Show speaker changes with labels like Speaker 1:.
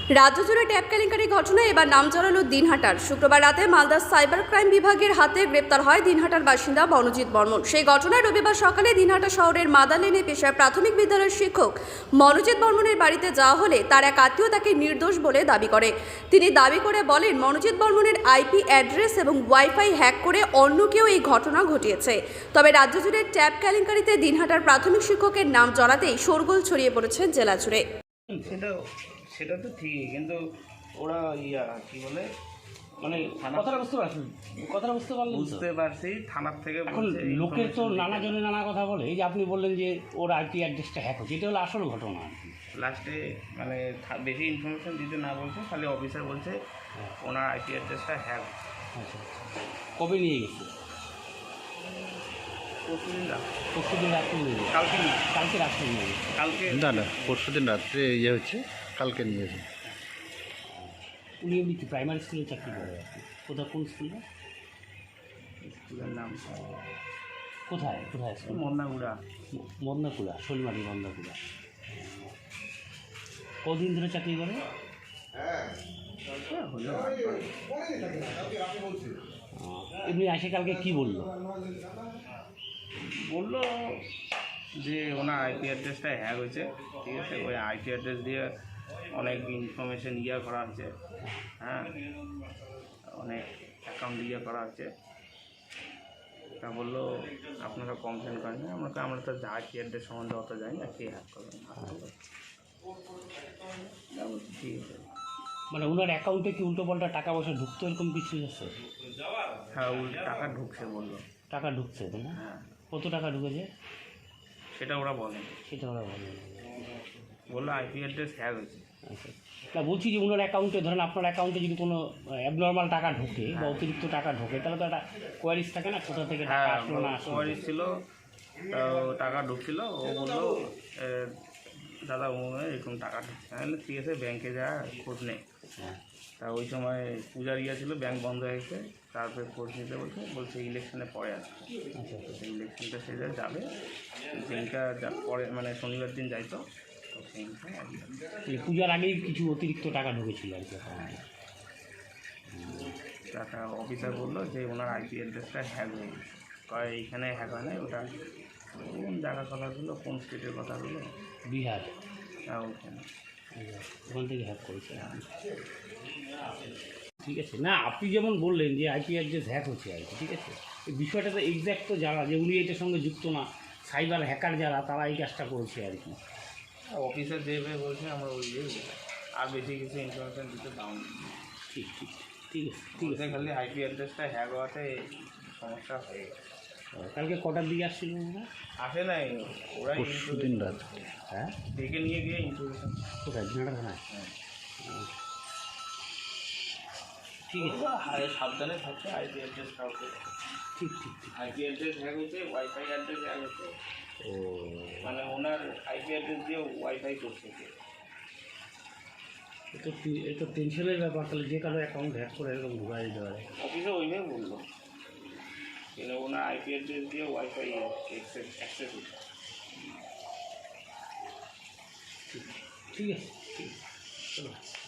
Speaker 1: রাজ্য জুড়ে ট্যাপ কেলেঙ্কারি ঘটনায় এবার নাম জড়ালো দিনহাটার। শুক্রবার রাতে মালদা সাইবার ক্রাইম বিভাগের হাতে গ্রেপ্তার হয় দিনহাটার বাসিন্দা মনোজিৎ বর্মন। সেই ঘটনায় রবিবার সকালে দিনহাটা শহরের মাদালেনে পেশায় প্রাথমিক বিদ্যালয়ের শিক্ষক মনোজিৎ বর্মনের বাড়িতে যাওয়া হলে তার এক আত্মীয় তাকে নির্দোষ বলে দাবি করে। তিনি দাবি করে বলেন, মনোজিৎ বর্মনের আইপি অ্যাড্রেস এবং ওয়াইফাই হ্যাক করে অন্য কেউ এই ঘটনা ঘটিয়েছে। তবে রাজ্য জুড়ে ট্যাপ কেলেঙ্কারিতে দিনহাটার প্রাথমিক শিক্ষকের নাম জড়াতেই শোরগোল ছড়িয়ে পড়েছে জেলা জুড়ে।
Speaker 2: সেটা তো ঠিকই, কিন্তু ওরা কি বলে মানে
Speaker 3: কথাটা বুঝতে পারলেন?
Speaker 2: বুঝতে পারছি থানার থেকে
Speaker 3: এখন লোকের তো নানা জনে নানা কথা বলে। এই যে আপনি বললেন যে ওর আইপি অ্যাড্রেসটা হ্যাক হচ্ছে, এটা হলো আসল ঘটনা আর কি।
Speaker 2: লাস্টে মানে বেশি ইনফরমেশন দিতে না বলছে, খালি অফিসার বলছে ওনার আইপি অ্যাড্রেসটা হ্যাক।
Speaker 3: আচ্ছা, কবে নিয়ে গেছে? পরশুদিন রাত্রে নিয়ে গেছে। কালকে রাত্রে নিয়ে গেছে।
Speaker 4: না পরশুদিন রাত্রে হচ্ছে, কালকে নিয়ে গেছে।
Speaker 3: উনি এমনি কি প্রাইমারি স্কুলে চাকরি করে আর কি? কোথায়, কোন স্কুলে?
Speaker 2: স্কুলের নাম
Speaker 3: কোথায় স্কুল? মদনাকুড়া, শোলমারি মদনাকুড়া। কদিন ধরে চাকরি করে? এমনি আসে কালকে কি বললো
Speaker 2: যে ওনার আইপি অ্যাড্রেসটা হ্যাক হয়েছে, ঠিক আছে। ওই আইপি অ্যাড্রেস দিয়ে অনেক ইনফরমেশন করা হয়েছে, হ্যাঁ, অনেক অ্যাকাউন্ট করা হচ্ছে। তা বললো আপনারা কমপ্লেন করেন না। আমরা তো আইপি অ্যাড্রেস সম্বন্ধে অত জানি না, কে হ্যাক করবেন। ঠিক আছে,
Speaker 3: মানে ওনার অ্যাকাউন্টে কি উল্টোপাল্টা টাকা পয়সা ঢুকতো, এরকম কিছু আছে?
Speaker 2: হ্যাঁ, টাকা ঢুকছে বললো।
Speaker 3: টাকা ঢুকছে তাই না?
Speaker 2: হ্যাঁ।
Speaker 3: কত টাকা ঢুকেছে
Speaker 2: সেটা ওরা বলে, বললো আইপি অ্যাড্রেস হ্যাক হয়েছে।
Speaker 3: আচ্ছা, না বলছি যে ওনার অ্যাকাউন্টে, ধরেন আপনার অ্যাকাউন্টে যদি কোনো অ্যাবনর্মাল টাকা ঢোকে বা অতিরিক্ত টাকা ঢোকে, তাহলে তো একটা কোয়ারিজ থাকে না, কোথা থেকে টাকা আসলো না আসলো।
Speaker 2: কোয়ারিজ ছিল, টাকা ঢুকছিল। ও বললো দাদা এরকম টাকা ঢুকছে। তাহলে ঠিক আছে, ব্যাংকে যা খোঁজ নেই। তা ওই সময় পূজার ছিল, ব্যাংক বন্ধ হয়ে গেছে। তারপরে খোঁজ নিতে বলছে ইলেকশনে পরে আসবে। আচ্ছা, ইলেকশনটা সে যাবে, ব্যাংকটা পরে মানে শনিবার দিন যাইতো।
Speaker 3: পূজার আগেই কিছু অতিরিক্ত টাকা ঢুকেছিল আর কি।
Speaker 2: টাকা অফিসার বললো যে ওনার আইপি অ্যাড্রেসটা হ্যাক হয়ে গেছে। এইখানে হ্যাক হয় না, ওটা কোন জায়গার কথাগুলো, কোন স্টেটের কথাগুলো,
Speaker 3: বিহার।
Speaker 2: হ্যাঁ, ওখানে
Speaker 3: ওখান থেকে হ্যাক করেছে। ঠিক আছে, না আপনি যেমন বললেন যে আইপি অ্যাড্রেস হ্যাক হচ্ছে আর কি, ঠিক আছে। এই বিষয়টা তো এক্স্যাক্ট তো যারা, যে উনি এটার সঙ্গে যুক্ত না, সাইবার হ্যাকার যারা, তারা এই কাজটা করেছে আর কি।
Speaker 2: অফিসার যেভাবে বলছে আমরা ওই আর বেশি কিছু ইনফরমেশন দিতে দাও।
Speaker 3: ঠিক আছে।
Speaker 2: খালি আইপি অ্যাড্রেসটা হ্যাক হওয়াতে সমস্যা হয়ে গেছে।
Speaker 3: কালকে কটার দিকে আসছিল ওরা?
Speaker 2: আসে নাই, ওরা
Speaker 4: পরশুদিন রাত।
Speaker 3: হ্যাঁ,
Speaker 2: ডেকে নিয়ে গিয়ে ইনফরমেশন।
Speaker 3: কোথায়? দিনাটা থানায়? ঠিক আছে,
Speaker 2: সাবধানে থাকছে। আইপি অ্যাড্রেস কাউকে
Speaker 3: ঠিক
Speaker 2: আইপি অ্যাড্রেস হ্যাক হয়েছে, ওয়াইফাই অ্যাড্রেস হ্যাক হয়েছে।
Speaker 3: ও,
Speaker 2: মানে ওনার আইপি অ্যাড্রেস দিয়ে ওয়াইফাই করছে।
Speaker 3: এ তো টেনশনের ব্যাপার। তাহলে যে কারো অ্যাকাউন্ট হ্যাক করে এরকম ঢুকাই দিতে পারে।
Speaker 2: অফিসে ওইভাবে বললো, কিন্তু ওনার আইপি অ্যাড্রেস দিয়ে ওয়াইফাই অ্যাক্সেস হচ্ছে।
Speaker 3: ঠিক আছে, চলো।